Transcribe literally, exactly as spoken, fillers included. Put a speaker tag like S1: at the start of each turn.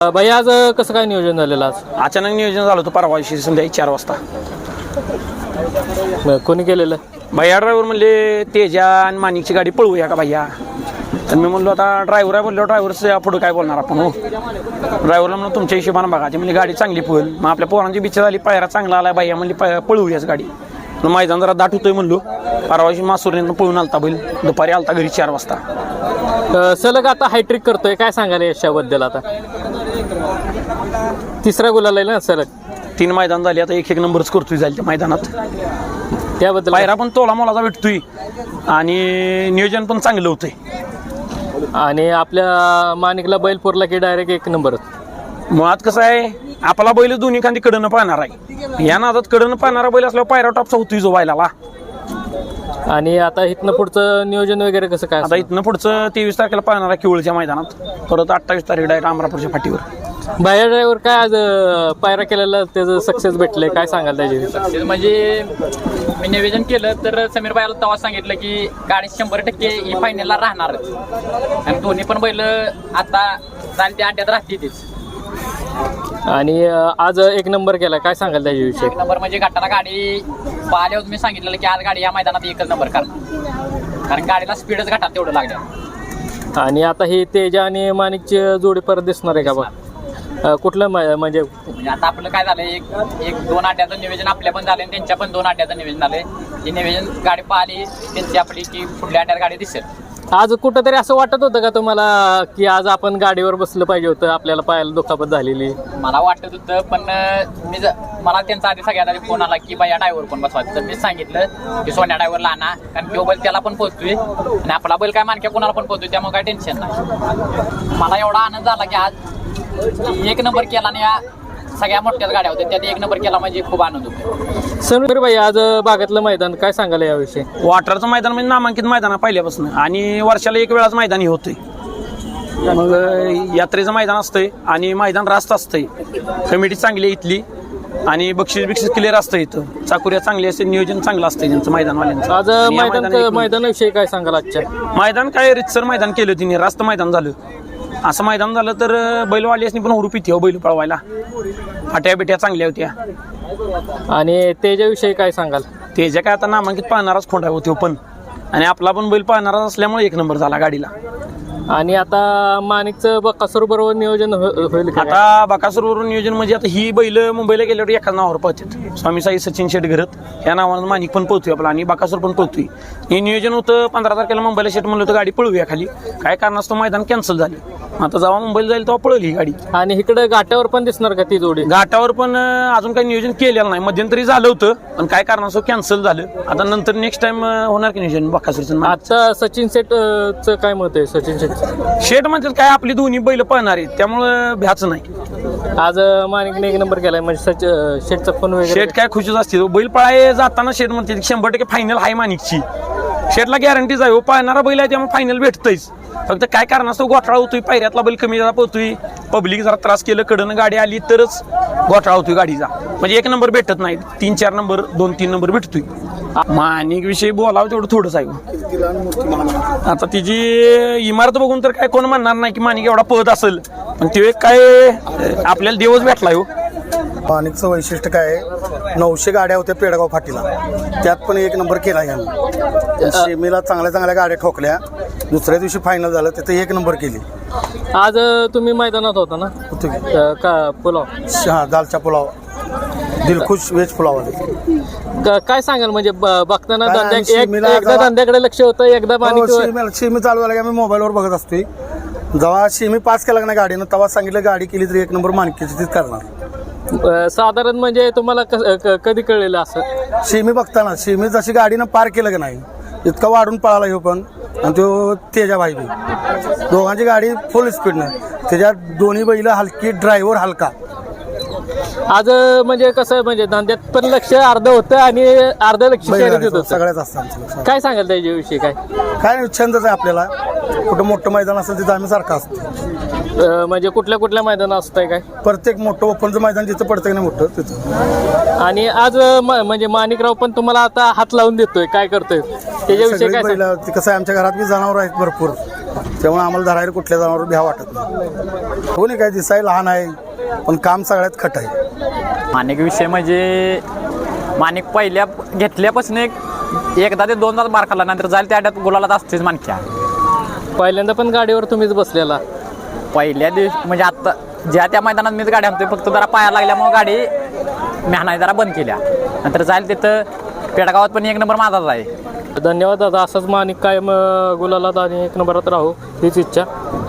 S1: भाई आज कसं काय नियोजन झालेलं? आज
S2: अचानक नियोजन झालं होतं परवा दिवशी संध्याकाळी चार वाजता.
S1: कोणी केलेलं?
S2: भैया ड्रायव्हर म्हणले तेजा आणि माणिकची गाडी पळवूया का भैया. तर मी म्हणलो आता ड्रायव्हर आहे बोललो ड्रायव्हरचं पुढे काय बोलणार आपण. हो ड्रायव्हरला म्हणून तुमच्या हिशोबानं बघा. ते म्हणजे गाडी चांगली पळेल. मग आपल्या पोरांची बिच्छा झाली पायरा चांगला आला भैया म्हणली पळवूयाच गाडी. मैदान जरा दाट होतोय म्हणलो. परवा दिवशी मासुरीनं पळून आलता बैल. दुपारी आलता घरी चार वाजता.
S1: सलग आता हायट्रिक करतोय, काय सांगाल यशाबद्दल? आता तिसरा गुलाल आहे ना सलग.
S2: तीन मैदान झाली आता एक एक नंबरच करतोय जाईल त्या मैदानात.
S1: त्याबद्दल
S2: पायरा पण तोला मोलाचा भेटतोय आणि नियोजन पण चांगलं होतंय.
S1: आणि आपल्या माणिकला बैल पुरला की डायरेक्ट एक नंबर.
S2: मुळात कसं आहे आपला बैल दोन्ही खांदी कडनं पाहणार आहे. या नादात कडनं पाहणारा बैल असल्यावर पायरा टॉपचा होतोय जो बैलाला.
S1: आणि आता इथनं पुढचं नियोजन वगैरे कसं काय?
S2: आता इथनं पुढचं तेवीस तारखेला पाहणार आहे किवळच्या मैदानात. परत अठ्ठावीस तारीख डायरेक्ट अमरापूरच्या फाटीवर.
S1: बाहेर ड्रायव्हर काय आज पायरा केलेला त्याचं सक्सेस भेटलंय, काय सांगाल त्याची?
S3: सक्सेस म्हणजे मी निवेदन केलं तर समीर भाईला तेव्हा सांगितलं की गाडी शंभर टक्के ही फायनलला राहणारच. आणि दोन्ही पण बैल आता चाल त्या अड्ड्यात राहतीच.
S1: आणि आज एक नंबर केला, काय सांगाल त्याच्याविषयी?
S3: एक नंबर म्हणजे गटाला गाडी पाहिल्यावर मी सांगितलेलं की आज गाडी या मैदानात एकच नंबर करणार, कारण गाडीला स्पीडच घटात तेवढं लागलं.
S1: आणि आता ही तेजा आणि माणिकची जोडी परत दिसणार आहे का बघ? कुठलं म्हणजे
S3: म्हणजे आता आपलं काय झालं, एक एक दोन अड्ड्याचं नियोजन आपल्या पण झालं आणि त्यांच्या पण दोन अड्ड्याचं नियोजन झालंय. हे नियोजन गाडी पाहिली त्यांची आपली की पुढल्या अड्ड्यात गाडी दिसेल.
S1: आज कुठंतरी असं वाटत होतं का तुम्हाला की आज आपण गाडीवर बसलं पाहिजे होतं, आपल्याला पायाला दुखापत झालेली?
S3: मला वाटत होतं, पण मी मला त्यांचा आधी सगळ्यात आधी फोन आला की बाया ड्रायव्हर कोण बसवायचं. तर मी सांगितलं की सोन्या ड्रायव्हरला आणा, कारण तो बैल त्याला पण पोहोचतोय आणि आपला बैल काय मानक्या कोणाला पण पोहोचतोय, त्यामुळे काय टेन्शन नाही. मला एवढा आनंद झाला की आज एक नंबर केला आणि या सगळ्या मोठ्याच गाड्या होत्या त्यात एक नंबर केला म्हणजे खूप आनंद होतो.
S1: समीर भाई आज बागातलं मैदान काय सांगाल याविषयी?
S2: वॉटरचं मैदान म्हणजे नामांकित मैदान पहिल्यापासून आणि वर्षाला एक वेळाच मैदान हे होतंय. मग यात्रेचं मैदान असतंय आणि मैदान रास्त असतंय. कमिटी चांगली आहे इथली आणि बक्षीस बिक्षीस क्लिअर असतं इथं. चाकुऱ्या चांगली असते, नियोजन चांगलं असतं त्यांचं मैदानवाल्यांचं.
S1: आज मैदान मैदानाविषयी काय सांगाल? आजच्या
S2: मैदान काय रितसर मैदान केलं तिने, रास्त मैदान झालं. असं मैदान झालं तर बैलवाल्यासनी पण हुरूप येते हो बैल पळवायला. फाट्या बिट्या चांगल्या होत्या.
S1: आणि त्याच्याविषयी काय सांगाल?
S2: त्याच्या काय आता नामांकित पाहणाराच खोंडा होतो पण, आणि आपला पण बैल पाहणारा असल्यामुळे एक नंबर झाला गाडीला.
S1: आणि आता माणिकचं बकासूर बरोबर नियोजन होईल का?
S2: आता बकासूर बरोबर नियोजन म्हणजे आता ही बैल मुंबईला गेल्यावर एकाच नावावर पळतात. स्वामी साई सचिन शेट घरत या नावानं माणिक पण पळतोय आपला आणि बकासूर पण पळतोय. हे नियोजन होतं पंधरा तारखेला मुंबईला शेट म्हणलं होतं गाडी पळवूया खाली. काय कारणास्तव मैदान कॅन्सल झालं. आता जेव्हा मुंबईला जाईल तेव्हा पळवली ही गाडी.
S1: आणि इकडे घाटावर पण दिसणार का ती जोडी?
S2: घाटावर पण अजून काही नियोजन केलेलं नाही. मध्यंतरी झालं होतं पण काय कारणास्तव कॅन्सल झालं. आता नंतर नेक्स्ट टाइम होणार की नियोजन बकासूरचं.
S1: आता सचिन शेटचं काय मत आहे? सचिन शेट
S2: शेट म्हणतात काय आपली दोन्ही बैल पळणार आहेत त्यामुळं भ्याच नाही.
S1: आज माणिकने एक नंबर केलाय म्हणजे सच शेटचा फोन वगैरे
S2: शेट काय खुशीच असते. बैल पळाय जाताना शेट म्हणते शंभर टक्के फायनल आहे माणिकची. शेटला गॅरंटीच आहे हो, पाळणारा बैल आहे त्यामुळे फायनल भेटतंयच. फक्त काय कारण असतो घोटाळा होतोय, पायऱ्यातला बैल कमी जरा पोहतोय, पब्लिक जरा त्रास केलं, कडनं गाडी आली तरच घोटाळा होतोय गाडीचा. म्हणजे एक नंबर भेटत नाही, तीन चार नंबर दोन तीन नंबर भेटतोय. माणिक विषयी बोलावं तेवढं थोडंच आहे. आता तिची इमारत बघून तर काय कोण म्हणणार नाही की माणिक एवढा पळत असेल, पण ते काय आपल्याला देवच भेटलाय हो.
S4: माणिकचं वैशिष्ट्य काय आहे, नऊशे गाड्या होत्या पेडगाव फाटीला, त्यात पण एक नंबर केला यांनी. सेमीला चांगल्या चांगल्या गाड्या ठोकल्या, दुसऱ्या दिवशी फायनल झालं तिथे एक नंबर केली.
S1: आज तुम्ही मैदानात होता ना?
S4: होतो
S1: का पुलाव?
S4: हा दालचा पुलाव, दिलखुश व्हेज पुलाव.
S1: काय सांगाल म्हणजे बघताना एकदा धंद्याकडे लक्ष होतं, एकदा
S4: शेमी चालू झाला की आम्ही मोबाईलवर बघत असतोय. जेव्हा शेमी पास केला ना गाडीनं तेव्हा सांगितलं गाडी केली तरी एक नंबर माणकीची तीच करणार.
S1: साधारण म्हणजे तुम्हाला कधी कळलेलं असं?
S4: शेमी बघताना शेमी जशी गाडीनं पार केलं की नाही इतका वाढून पळाला ह्यो पण आणि तो तेजा भाई बी दोघांची गाडी फुल स्पीडनं. त्याच्यात दोन्ही बैल हलकी, ड्रायव्हर हलका.
S1: आज म्हणजे कसं म्हणजे धंद्यात पण लक्ष अर्ध होतं आणि अर्ध लक्ष शर्यतीत होतं.
S4: सगळ्याच असतं.
S1: काय सांगाल त्याच्याविषयी? काय
S4: काय छंदच आहे आपल्याला. कुठं मोठं मैदान असेल तिथं आम्ही सारखं असतो.
S1: म्हणजे कुठल्या कुठल्या मैदान असतंय काय?
S4: प्रत्येक मोठं ओपनचं मैदान जिथं पडतं की नाही मोठं तिथं.
S1: आणि आज म्हणजे माणिकराव पण तुम्हाला आता हात लावून देतोय, काय करतोय त्याच्याविषयी काय?
S4: कसं आहे आमच्या घरात बी जनावर आहेत भरपूर. त्यामुळे आम्हाला धरायला कुठल्या जनावर भ्या वाटत नाही. कोणी काय दिसाय लहान आहे पण काम सगळ्यात खट आहे.
S5: माणिक विषय म्हणजे माणिक पहिल्या घेतल्यापासून एक एकदा ते दोनदा मार खाल्ला नंतर जाईल त्या अड्यात गुलालात असतोच माणक्या.
S1: पहिल्यांदा पण गाडीवर तुम्हीच बसलेला.
S5: पहिल्या दिवशी म्हणजे आत्ता ज्या त्या मैदानात मीच गाडी आणतोय फक्त जरा पाया लागल्यामुळे गाडी मेहनाई जरा बंद केल्या. नंतर जाईल तिथं पेडगावात पण एक नंबर माझाच आहे.
S1: धन्यवाद दादा. असाच माणिक कायम गुलालात आणि एक नंबरात राहू हीच इच्छा.